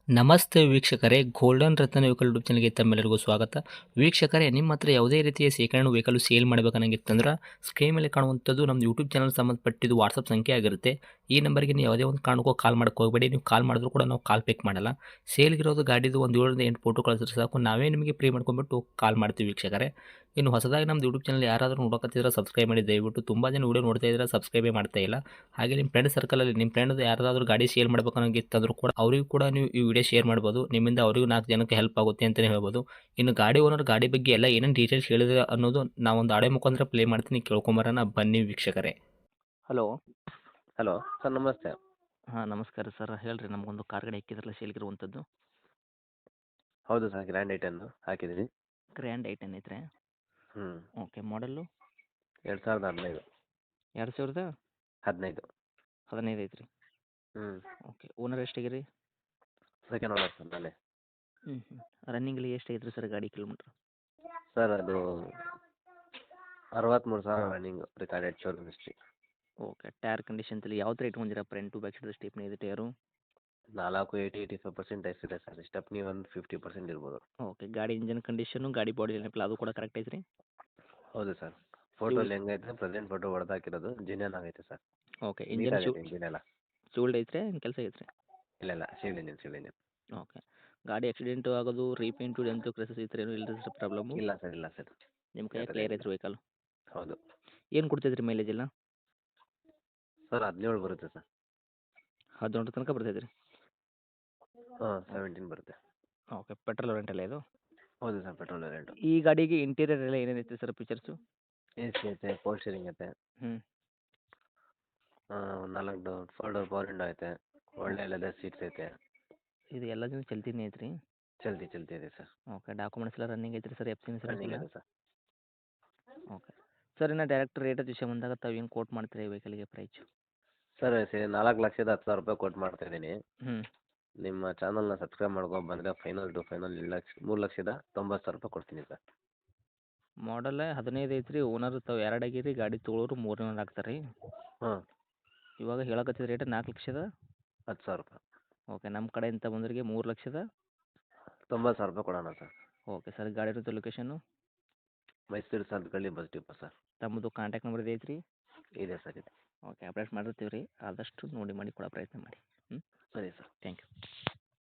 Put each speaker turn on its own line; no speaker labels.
ನಮಸ್ತೆ ವೀಕ್ಷಕರೇ, ಗೋಲ್ಡನ್ ರತ್ನ vehicle YouTube ಚಾನಲ್ಗೆ ತಮ್ಮೆಲ್ಲರಿಗೂ ಸ್ವಾಗತ. ವೀಕ್ಷಕರೇ, ನಿಮ್ಮ ಹತ್ರ ಯಾವುದೇ ರೀತಿಯ ಶೇಖರಣೆ ವೆಹಿಕಲ್ ಸೇಲ್ ಮಾಡಬೇಕನ್ನಂಗಿತ್ತಂದ್ರೆ ಸ್ಕ್ರೀನ್ ಮೇಲೆ ಕಾಣುವಂಥದ್ದು ನಮ್ಮ ಯೂಟ್ಯೂಬ್ ಚಾನಲ್ ಸಂಬಂಧಪಟ್ಟಿದ್ದು ವಾಟ್ಸಪ್ ಸಂಖ್ಯೆ ಆಗಿರುತ್ತೆ. ಈ ನಂಬರ್ಗೆ ನೀವು ಯಾವುದೇ ಒಂದು ಕಾರಣಕ್ಕೂ ಕಾಲ್ ಮಾಡೋಕೆ ಹೋಗಬೇಡಿ. ನೀವು ಕಾಲ್ ಮಾಡಿದ್ರು ಕೂಡ ನಾವು ಕಾಲ್ ಪಿಕ್ ಮಾಡಲ್ಲ. ಸೇಲ್ಗಿರೋದು ಗಾಡಿದು ಒಂದು 7ರಿಂದ 8 ಫೋಟೋ ಕಳಿಸಿದ್ರೆ ಸಾಕು, ನಾವೇ ನಿಮಗೆ ಪ್ರೀ ಮಾಡ್ಕೊಂಡ್ಬಿಟ್ಟು ಕಾಲ್ ಮಾಡ್ತೀವಿ ವೀಕ್ಷಕರೇ. ಇನ್ನು ಹೊಸದಾಗಿ ನಮ್ಮದು ಯೂಟ್ಯೂಬ್ ಚಾನಲ್ ಯಾರಾದರೂ ನೋಡೋಕತ್ತಿದ್ರೆ ಸಬ್ಸ್ಕ್ರೈಬ್ ಮಾಡಿ ದಯವಿಟ್ಟು. ತುಂಬ ಜನ ವೀಡಿಯೋ ನೋಡ್ತಾ ಇದ್ದಾರೆ, ಸಬ್ಸ್ಕ್ರೈಬೇ ಮಾಡ್ತಾ ಇಲ್ಲ. ಹಾಗೆ ನಿಮ್ಮ ಫ್ರೆಂಡ್ ಸರ್ಕಲಲ್ಲಿ ನಿಮ್ಮ ಫ್ರೆಂಡ್ ಯಾರಾದರೂ ಗಾಡಿ ಸೇಲ್ ಮಾಡಬೇಕನ್ನೋಂಗಿತ್ತಂದ್ರೂ ಕೂಡ ಅವರಿಗೂ ಕೂಡ ನೀವು ಈ ವಿಡಿಯೋ ಶೇರ್ ಮಾಡ್ಬೋದು. ನಿಮ್ಮಿಂದ ಅವರಿಗೂ 4 ಜನಕ್ಕೆ ಹೆಲ್ಪ್ ಆಗುತ್ತೆ ಅಂತಲೇ ಹೇಳ್ಬೋದು. ಇನ್ನು ಗಾಡಿ ಓನರ್ ಗಾಡಿ ಬಗ್ಗೆ ಎಲ್ಲ ಏನೇನು ಡೀಟೇಲ್ಸ್ ಹೇಳಿದ್ರೆ ಅನ್ನೋದು ನಾವೊಂದು ಆಡಿಯೋ ಮುಖಾಂತರ ಪ್ಲೇ ಮಾಡ್ತೀನಿ, ಕೇಳ್ಕೊಂಬರೋಣ ಬನ್ನಿ ವೀಕ್ಷಕರೇ. ಹಲೋ.
ಹಲೋ ಸರ್, ನಮಸ್ತೆ.
ಹಾಂ, ನಮಸ್ಕಾರ ಸರ್. ಹೇಳ್ರಿ, ನಮಗೊಂದು ಕಾರ್ ಗಾಡಿ ಹಾಕಿದ್ರಲ್ಲ ಸೇಲ್ಗಿರುವಂಥದ್ದು.
ಹೌದು ಸರ್, ಗ್ರ್ಯಾಂಡ್ ಐಟನ್ನು ಹಾಕಿದ್ದೀನಿ.
ಗ್ರ್ಯಾಂಡ್ ಐಟನ್ ಐತ್ರಿ.
ಹ್ಞೂ.
Okay, model
2015.
2015
15.
ಐತ್ರಿ.
ಹ್ಞೂ.
ಓಕೆ, ಓನರ್ ಎಷ್ಟಾಗಿರಿ?
ಸೆಕೆಂಡ್ ಓನರ್ ಸರ್ ನಾನೇ.
ರನ್ನಿಂಗಲ್ಲಿ ಎಷ್ಟಾಗೈತ್ರಿ ಸರ್ ಗಾಡಿ ಕಿಲೋಮೀಟ್ರ್?
ಸರ್ ಅದು 63,000 running recorded showroom history.
Okay, tyre ಕಂಡೀಷನ್ಸಲ್ಲಿ ಯಾವ ಥರ ಇಟ್ಕೊಂಡಿರ? Front to back side stepney ಇದೆ ಟೈರು?
85% ಟೈಸ್ ಇದೆ ಸರ್. ಸ್ಟೆಪ್ನಿ ಒಂದು 50% ಇರ್ಬೋದು.
ಓಕೆ, ಗಾಡಿ ಇಂಜನ್ ಕಂಡೀಷನು, ಗಾಡಿ ಬಾಡಿ ಏನಪ್ಪ ಅದು ಕೂಡ ಕರೆಕ್ಟ್ ಐತ್ರಿ?
ಹೌದು ಸರ್. ಫೋಟೋಲ್ಲಿ ಹೆಂಗೈತೆ ಪ್ರೆಸೆಂಟ್ ಫೋಟೋ ಹೊಡೆದಾಕಿರೋದು ಜಿನಿಯನ್ ಆಗೈತೆ ಸರ್.
ಓಕೆ, ಇಂಜನ್
ನೀಟಾಗೈತೆ ಇಂಜಿನ್ ಎಲ್ಲ.
ಚೂಲ್ಡ್ ಐತ್ರಿ, ಏನು ಕೆಲಸ ಐತ್ರಿ?
ಇಲ್ಲ ಸಿವಿಲ್ ಇಂಜಿನ್.
ಓಕೆ, ಗಾಡಿ ಆಕ್ಸಿಡೆಂಟು ಆಗೋದು, ರೀಪೇಂಟು, ಡೆಂತು ಕ್ರೆಸಸ್ ಈ ಥರ ಏನೂ ಇಲ್ಲ ಸರ್ ಪ್ರಾಬ್ಲಮ್ಮು?
ಇಲ್ಲ ಸರ್.
ನಿಮ್ಮ ಕೈ
ಆ ಥರ
ಕ್ಲಿಯರ್
ಏನಿಲ್ಲ.
ಐತ್ರಿ ವೆಹಿಕಲ್?
ಹೌದು
ಏನು ಕೊಡ್ತೈತ್ರಿ ಮೈಲೇಜ್ ಎಲ್ಲ?
ಸರ್, 17 ಬರುತ್ತೆ ಸರ್.
17 ತನಕ ಬರ್ತೈತೆ ರೀ?
ಹಾಂ, 17 ಬರುತ್ತೆ.
ಓಕೆ, ಪೆಟ್ರೋಲ್ ರೆಂಟಲ್ಲ ಇದು?
ಹೌದು ಸರ್, ಪೆಟ್ರೋಲ್ ರೇಟು.
ಈ ಗಾಡಿಗೆ ಇಂಟೀರಿಯರ್ ಎಲ್ಲ ಏನೇನೈತೆ ಸರ್ ಫೀಚರ್ಸು?
AC ಐತೆ, ಪವರ್ ಸ್ಟೀರಿಂಗ್ ಐತೆ,
ಹ್ಞೂ
4 ಫೋಲ್ಡರ್ ಪವರ್ ವಿಂಡೋ ಐತೆ, ಒಳ್ಳೆ ಲೆದರ್ ಸೀಟ್ಸ್ ಐತೆ.
ಇದು ಎಲ್ಲ ದಿನ ಚಲ್ತಿನೇ ಐತ್ರಿ?
ಚಲ್ತಿ ಇದೆ ಸರ್.
ಓಕೆ, ಡಾಕ್ಯುಮೆಂಟ್ಸ್ ಎಲ್ಲ ರನ್ನಿಂಗ್ ಐತ್ರಿ sir? F C insurance
running
ಎಲ್ಲ?
ಇದೆ ಸರ್.
ಓಕೆ ಸರ್, ಇನ್ನು ಡೈರೆಕ್ಟ್ ರೇಟ್ ವಿಷಯ ಬಂದಾಗ ತಾವು ಏನು ಕೋಟ್ ಮಾಡ್ತೀರಾ ಈ ವೆಹಿಕಲ್ಗೆ ಪ್ರೈಸು?
ಸರ್ 4,10,000 ಕೊಟ್ಟು ಮಾಡ್ತಾ ಇದ್ದೀನಿ.
ಹ್ಞೂ
ನಿಮ್ಮ ಚಾನಲ್ನ ಸಬ್ಸ್ಕ್ರೈಬ್ ಮಾಡ್ಕೊಂಡು ಬಂದರೆ ಫೈನಲ್ 3,90,000 ಕೊಡ್ತೀನಿ ಸರ್.
ಮಾಡಲ್ 15 ಐತ್ರಿ. ಓನರ್ ತಾವು 2 ಆಗಿರಿ, ಗಾಡಿ ತೊಗೊಳೋರು 3 ಓನರ್ ಆಗ್ತಾರೆ ರೀ.
ಹಾಂ,
ಇವಾಗ ಹೇಳಕತ್ತಿದ ರೇಟ್ 4,10,000.
10,000.
ಓಕೆ, ನಮ್ಮ ಕಡೆಯಿಂದ ಬಂದವರಿಗೆ
3,90,000 ಕೊಡೋಣ ಸರ್.
ಓಕೆ ಸರ್, ಗಾಡಿ ಇರೋದು location?
Mysuru Santhekalli bus depot sir.
ತಮ್ಮದು ಕಾಂಟ್ಯಾಕ್ಟ್ ನಂಬರ್ ಇದೆ ಐತ್ರಿ?
ಇದೆ ಸರ್, ಇದೆ.
ಓಕೆ, ಅಪ್ಡೇಟ್ ಮಾಡಿರ್ತೀವಿ ರೀ. ಆದಷ್ಟು ನೋಡಿ ಮಾಡಿ ಕೊಡೋ ಪ್ರಯತ್ನ ಮಾಡಿ.
ಸರಿ ಸರ್.
Thank you.